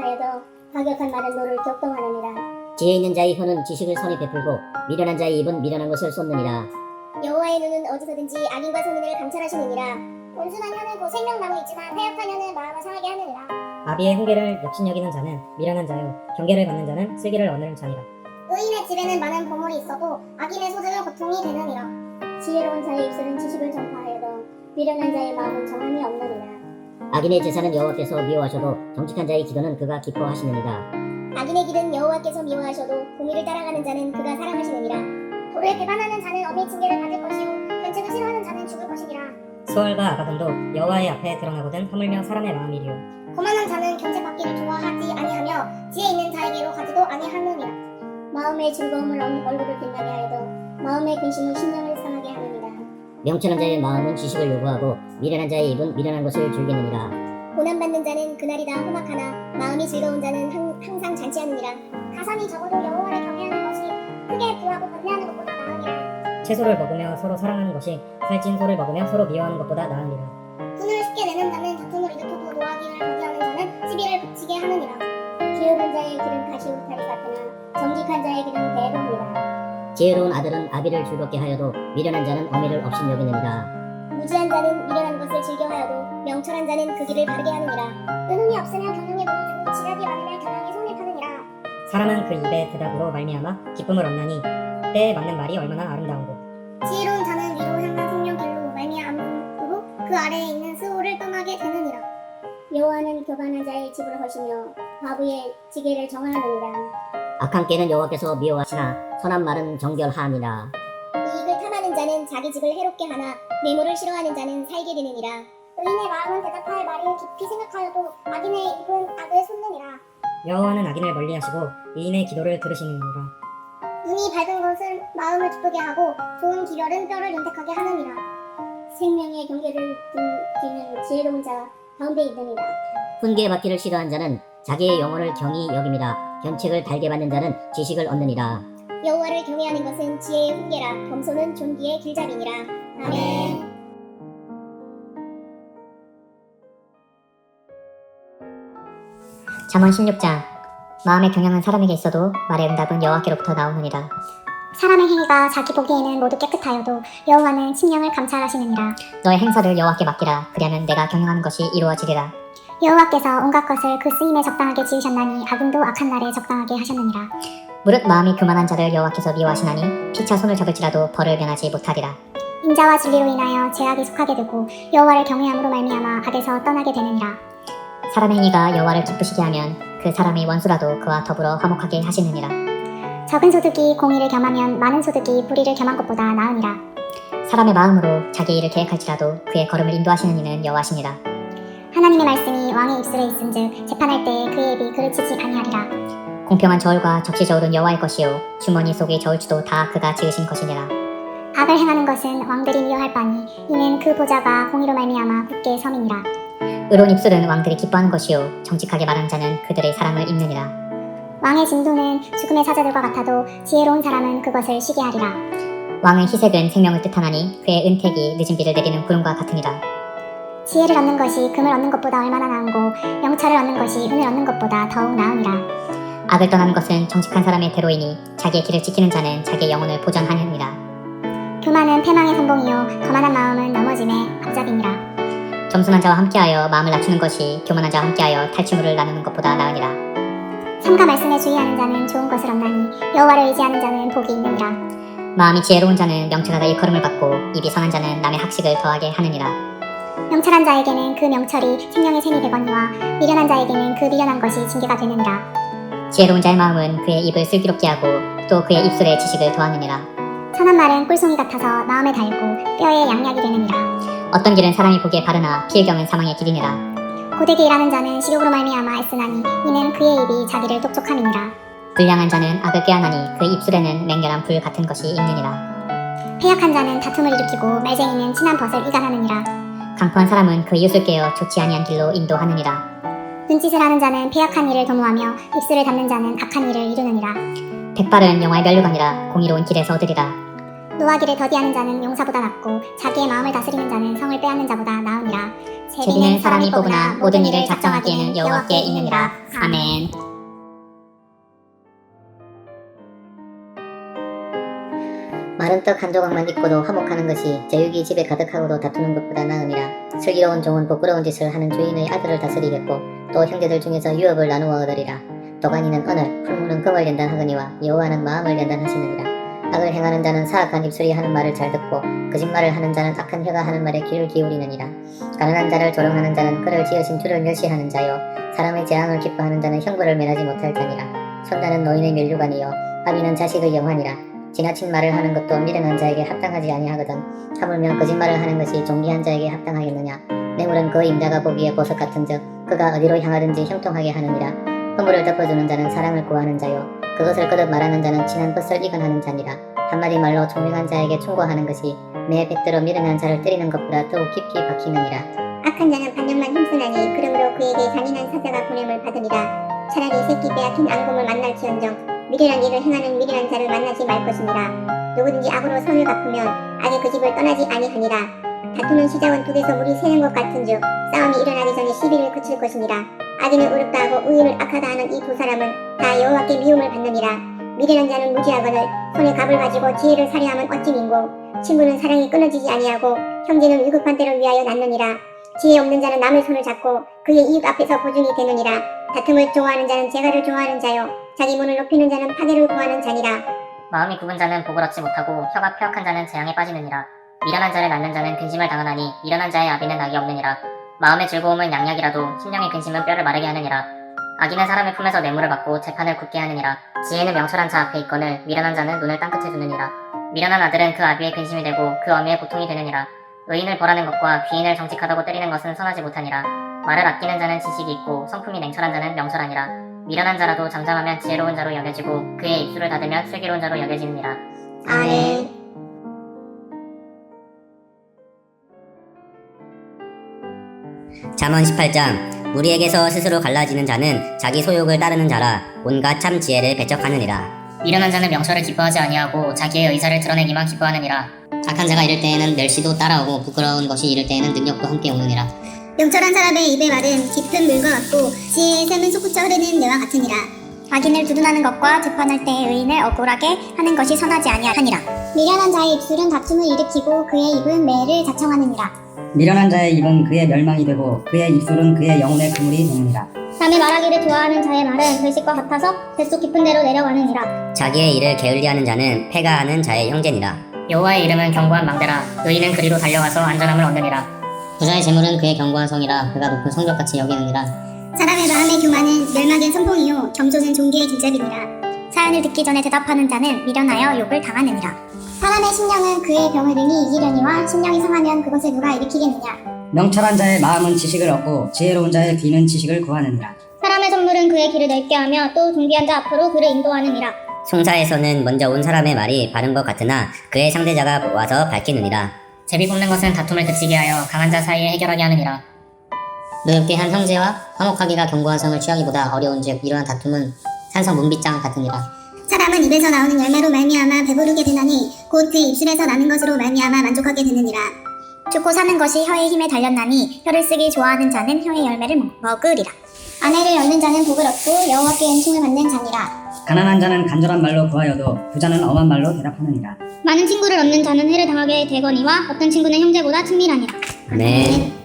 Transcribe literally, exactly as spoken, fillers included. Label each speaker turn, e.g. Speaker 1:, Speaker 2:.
Speaker 1: 하여도 과격한 말은 노를 격동하느니라.
Speaker 2: 지혜 있는 자의 혀는 지식을 선히 베풀고 미련한 자의 입은 미련한 것을 쏟느니라.
Speaker 1: 여호와의 눈은 어디서든지 악인과 선인을 감찰하시느니라. 온순한 혀는 곧 생명나무 있지만 패역한 혀는 마음을 상하게 하느니라.
Speaker 3: 아비의 훈계를 욕심여기는 자는 미련한 자요 경계를 받는 자는 슬기를 얻는 자니라.
Speaker 1: 의인의 집에는 많은 보물이 있어도 악인의 소득은 고통이 되느니라. 지혜로운 자의 입술은 지식을 전파하여도 미련한 자의 마음은 정함이 없느니라.
Speaker 2: 악인의 제사는 여호와께서 미워하셔도 정직한 자의 기도는 그가 기뻐하시느니라.
Speaker 1: 악인의 길은 여호와께서 미워하셔도 공의를 따라가는 자는 그가 사랑하시느니라. 도를 배반하는 자는 엄히 징계를 받을 것이요 견책을 싫어하는 자는 죽을 것이니라.
Speaker 3: 수월과 아가돈도 여호와의 앞에 드러나거든 하물며 사람의 마음이리요.
Speaker 1: 거만한 자는 견책받기를 좋아하지 아니하며 지혜 있는 자에게로 가지도 아니하느니라. 마음의 즐거움을 얻는 얼굴을 빛나게 하여도 마음의 근심은 심령을 상하게 하느니라.
Speaker 2: 명철한 자의 마음은 지식을 요구하고 미련한 자의 입은 미련한 것을 즐기느니라.
Speaker 1: 고난받는 자는 그날이 다 험악하나 마음이 즐거운 자는 항, 항상 잔치하느니라. 가산이 적어도 여호와를 경외하는 것이 크게 부하고 번뇌하는 것보다 나으니라.
Speaker 3: 채소를 먹으며 서로 사랑하는 것이 살찐 소를 먹으며 서로 미워하는 것보다 나으니라.
Speaker 1: 분을 쉽게 내는 자는 다툼을 일으켜도 노하기를 더디하는 자는 시비를 붙이게 하느니라. 게으른 자의 길은 가시 울타리 같으나 정직한 자의 길은 대동이라.
Speaker 2: 지혜로운 아들은 아비를 즐겁게 하여도 미련한 자는 어미를 없인 여기느니라.
Speaker 1: 무지한 자는 미련한 것을 즐겨하여도 명철한 자는 그 길을 바르게 하느니라. 은음이 없으면 경영에 무너지고 지략이 많으면 경영에 손을 파느니라.
Speaker 3: 사람은 그 입의 대답으로 말미암아 기쁨을 얻나니 때에 맞는 말이 얼마나 아름다운고.
Speaker 1: 지혜로운 자는 위로 향한 생명길로 말미암음으로 그 아래에 있는 스올을 떠나게 되느니라. 여호와는 교만한 자의 집을 허시며 바보의 지게를 정하느니라.
Speaker 2: 악한 깨는 여호와께서 미워하시나 선한 말은 정결하니라.
Speaker 1: 이익을 탐하는 자는 자기 집을 해롭게 하나 뇌물을 싫어하는 자는 살게 되느니라. 의인의 마음은 대답할 말을 깊이 생각하여도 악인의 입은 악을 솟느니라.
Speaker 3: 여호와는 악인을 멀리하시고 의인의 기도를 들으시느니라.
Speaker 1: 눈이 밝은 것은 마음을 기쁘게 하고 좋은 기별은 뼈를 윤택하게 하느니라. 생명의 경계를 두는 지혜로운 자 가운데 있느니라.
Speaker 2: 훈계 받기를 싫어한 자는 자기의 영혼을 경히 여김이라. 견책을 달게 받는 자는 지식을 얻느니라.
Speaker 1: 여호와를 경외하는 것은 지혜의 훈계라. 겸손은 존귀의 길잡이니라. 아멘.
Speaker 4: 잠언 십육 장. 마음의 경영은 사람에게 있어도 말의 응답은 여호와께로부터 나오느니라.
Speaker 1: 사람의 행위가 자기 보기에는 모두 깨끗하여도 여호와는 심령을 감찰하시느니라.
Speaker 4: 너의 행사를 여호와께 맡기라. 그리하면 내가 경영하는 것이 이루어지리라.
Speaker 1: 여호와께서 온갖 것을 그 쓰임에 적당하게 지으셨나니 악인도 악한 날에 적당하게 하셨느니라.
Speaker 4: 무릇 마음이 교만한 자를 여호와께서 미워하시나니 피차 손을 잡을지라도 벌을 면하지 못하리라.
Speaker 1: 인자와 진리로 인하여 죄악이 속하게 되고 여호와를 경외함으로 말미암아 악에서 떠나게 되느니라.
Speaker 4: 사람의 행위가 여호와를 기쁘시게 하면 그 사람의 원수라도 그와 더불어 화목하게 하시느니라.
Speaker 1: 적은 소득이 공의를 겸하면 많은 소득이 불의를 겸한 것보다 나으니라.
Speaker 4: 사람의 마음으로 자기 일을 계획할지라도 그의 걸음을 인도하시는 이는 여호와시니라.
Speaker 1: 하나님의 말씀이 왕의 입술에 있은즉 재판할 때에 그의 입이 그르치지 아니하리라.
Speaker 4: 공평한 저울과 적시 저울은 여호와의 것이요 주머니 속의 저울추도 다 그가 지으신 것이니라.
Speaker 1: 악을 행하는 것은 왕들이 미워할 바니 이는 그 보좌가 공의로 말미암아 굳게 섬이니라.
Speaker 4: 의로운 입술은 왕들이 기뻐하는 것이요 정직하게 말하는 자는 그들의 사랑을 입느니라.
Speaker 1: 왕의 진도는 죽음의 사자들과 같아도 지혜로운 사람은 그것을 쉬게 하리라.
Speaker 4: 왕의 희색은 생명을 뜻하나니 그의 은택이 늦은 비를 내리는 구름과 같으니라.
Speaker 1: 지혜를 얻는 것이 금을 얻는 것보다 얼마나 나은고 명철을 얻는 것이 은을 얻는 것보다 더욱 나으니라.
Speaker 4: 악을 떠나는 것은 정직한 사람의 대로이니 자기의 길을 지키는 자는 자기의 영혼을 보전하느니라.
Speaker 1: 교만은 패망의 선봉이요 거만한 마음은 넘어짐의 앞잡이니라.
Speaker 4: 겸손한 자와 함께하여 마음을 낮추는 것이 교만한 자와 함께하여 탈취물을 나누는 것보다 나으니라.
Speaker 1: 삼가 말씀에 주의하는 자는 좋은 것을 얻나니 여호와를 의지하는 자는 복이 있느니라.
Speaker 4: 마음이 지혜로운 자는 명철하다 일컬음을 받고 입이 선한 자는 남의 학식을 더하게 하느니라.
Speaker 1: 명철한 자에게는 그 명철이 생명의 샘이 되거니와 미련한 자에게는 그 미련한 것이 징계가 되느니라.
Speaker 4: 지혜로운 자의 마음은 그의 입을 슬기롭게 하고 또 그의 입술에 지식을 더하느니라.
Speaker 1: 선한 말은 꿀송이 같아서 마음에 달고 뼈에 양약이 되느니라.
Speaker 4: 어떤 길은 사람이 보기에 바르나 피의경은 사망의 길이니라.
Speaker 1: 고되게 일하는 자는 식욕으로 말미암아 애쓰나니 이는 그의 입이 자기를 똑똑함이니라.
Speaker 4: 불량한 자는 악을 꾀하나니 그 입술에는 맹렬한 불 같은 것이 있느니라.
Speaker 1: 패역한 자는 다툼을 일으키고 말쟁이는 친한 벗을 이간하느니라.
Speaker 4: 강포한 사람은 그 이웃을 깨어 좋지 아니한 길로 인도하느니라.
Speaker 1: 눈짓을 하는 자는 패역한 일을 도모하며 입술을 닫는 자는 악한 일을 이루느니라.
Speaker 4: 백발은 영화의 면류관이라 공의로운 길에서 얻으리라.
Speaker 1: 노하기를 더디하는 자는 용사보다 낫고 자기의 마음을 다스리는 자는 성을 빼앗는 자보다 나으니라.
Speaker 4: 제비는 사람이 뽑으나 모든 일을 작정하기에는 여호와께 있느니라. 아멘.
Speaker 2: 마른 떡 한 조각만 입고도 화목하는 것이 제육이 집에 가득하고도 다투는 것보다 나으니라. 슬기로운 종은 부끄러운 짓을 하는 주인의 아들을 다스리겠고 또 형제들 중에서 유업을 나누어 얻으리라. 도가니는 언을, 풀무는 금을 연단하거니와 여호와는 마음을 연단하시느니라. 악을 행하는 자는 사악한 입술이 하는 말을 잘 듣고 거짓말을 하는 자는 악한 혀가 하는 말에 귀를 기울이느니라. 가난한 자를 조롱하는 자는 그를 지으신 주를 멸시하는 자요 사람의 재앙을 기뻐하는 자는 형벌을 면하지 못할 자니라. 손자는 노인의 면류관이요 아비는 자식의 영환이라. 지나친 말을 하는 것도 미련한 자에게 합당하지 아니하거든 하물며 거짓말을 하는 것이 존귀한 자에게 합당하겠느냐. 뇌물은 그 임자가 보기에 보석 같은즉 그가 어디로 향하든지 형통하게 하느니라. 허물을 덮어주는 자는 사랑을 구하는 자요 그것을 거듭 말하는 자는 친한 것을 이근하는 자니라. 한마디 말로 총명한 자에게 충고하는 것이 매 백대로 미련한 자를 때리는 것보다 더욱 깊이 박히느니라.
Speaker 1: 악한 자는 반역만 힘쓰나니 그러므로 그에게 잔인한 사자가 보냄을 받으리라. 차라리 새끼 빼앗긴 앙금을 만날지언정 미련한 일을 행하는 미련한 자를 만나지 말 것이니라. 누구든지 악으로 선을 갚으면 악의 그 집을 떠나지 아니하니라. 다투는 시작은 독에서 물이 새는 것 같은즉 싸움이 일어나기 전에 시비를 그칠 것이니라. 악인을 의롭다 하고 의인을 악하다 하는 이 두 사람은 다 여호와께 미움을 받느니라. 미련한 자는 무지하거늘 손에 갑을 가지고 지혜를 살해하면 어찌 민고. 친구는 사랑이 끊어지지 아니하고 형제는 위급한 때를 위하여 낳느니라. 지혜 없는 자는 남의 손을 잡고 그의 이익 앞에서 보증이 되느니라. 다툼을 좋아하는 자는 재갈을 좋아하는 자요 자기 문을 높이는 자는 파괴를 구하는 자니라.
Speaker 5: 마음이 굽은 자는 복을 얻지 못하고 혀가 폐역한 자는 재앙에 빠지느니라. 미련한 자를 낳는 자는 근심을 당하나니 미련한 자의 아비는 낙이 없느니라. 마음의 즐거움은 양약이라도 심령의 근심은 뼈를 마르게 하느니라. 악인은 사람의 품에서 뇌물을 받고 재판을 굳게 하느니라. 지혜는 명철한 자 앞에 있거늘 미련한 자는 눈을 땅끝에 두느니라. 미련한 아들은 그 아비의 근심이 되고 그 어미의 고통이 되느니라. 의인을 벌하는 것과 귀인을 정직하다고 때리는 것은 선하지 못하니라. 말을 아끼는 자는 지식이 있고 성품이 냉철한 자는 명철하니라. 미련한 자라도 잠잠하면 지혜로운 자로 여겨지고 그의 입술을 닫으면 슬기로운 자로 여겨지느니라.
Speaker 1: 아멘.
Speaker 2: 잠언 십팔 장 무리에게서 스스로 갈라지는 자는 자기 소욕을 따르는 자라 온갖 참 지혜를 배척하느니라.
Speaker 5: 미련한 자는 명철을 기뻐하지 아니하고 자기의 의사를 드러내기만 기뻐하느니라.
Speaker 6: 악한 자가 이럴 때에는 멸시도 따라오고 부끄러운 것이 이럴 때에는 능력도 함께 오느니라.
Speaker 1: 명철한 사람의 입의 말은 깊은 물과 같고 지혜의 샘은 솟구쳐 흐르는 내와 같으니라. 악인을 두둔하는 것과 재판할 때의 의인을 억울하게 하는 것이 선하지 아니하니라. 미련한 자의 입술은 다툼을 일으키고 그의 입은 매를 자청하느니라.
Speaker 3: 미련한 자의 입은 그의 멸망이 되고 그의 입술은 그의 영혼의 그물이 되느니라.
Speaker 1: 남의 말하기를 좋아하는 자의 말은 글씨과 같아서 뱃속 깊은 데로 내려가느니라.
Speaker 2: 자기의 일을 게을리하는 자는 패가 하는 자의 형제니라.
Speaker 5: 여호와의 이름은 견고한 망대라. 의인은 그리로 달려가서 안전함을 얻느니라.
Speaker 6: 부자의 재물은 그의 견고한 성이라 그가 높은 성벽같이 여기느니라.
Speaker 1: 사람의 마음의 교만은 멸망의 선봉이요 겸손은 존귀의 길잡이니라. 사연을 듣기 전에 대답하는 자는 미련하여 욕을 당하느니라. 사람의 심령은 그의 병을 능히 이기려니와 심령이 상하면 그것을 누가 일으키겠느냐.
Speaker 3: 명철한 자의 마음은 지식을 얻고 지혜로운 자의 귀는 지식을 구하느니라.
Speaker 1: 사람의 선물은 그의 길을 넓게 하며 또 존귀한 자 앞으로 그를 인도하느니라.
Speaker 2: 송사에서는 먼저 온 사람의 말이 바른 것 같으나 그의 상대자가 와서 밝히느니라.
Speaker 5: 제비 뽑는 것은 다툼을 그치게 하여 강한 자 사이에 해결하게 하느니라.
Speaker 6: 노엽게 한 형제와 화목하기가 견고한 성을 취하기보다 어려운즉 이러한 다툼은 산성 문빗장 같으니라.
Speaker 1: 사람은 입에서 나오는 열매로 말미암아 배부르게 되나니 곧 그의 입술에서 나는 것으로 말미암아 만족하게 되느니라. 죽고 사는 것이 혀의 힘에 달렸나니 혀를 쓰기 좋아하는 자는 혀의 열매를 먹- 먹으리라. 아내를 얻는 자는 복을 얻고 여호와께 은총을 받는 자니라.
Speaker 3: 가난한 자는 간절한 말로 구하여도 부자는 엄한 말로 대답하느니라.
Speaker 1: 많은 친구를 얻는 자는 해를 당하게 되거니와 어떤 친구는 형제보다 친밀하니라.
Speaker 2: 아멘.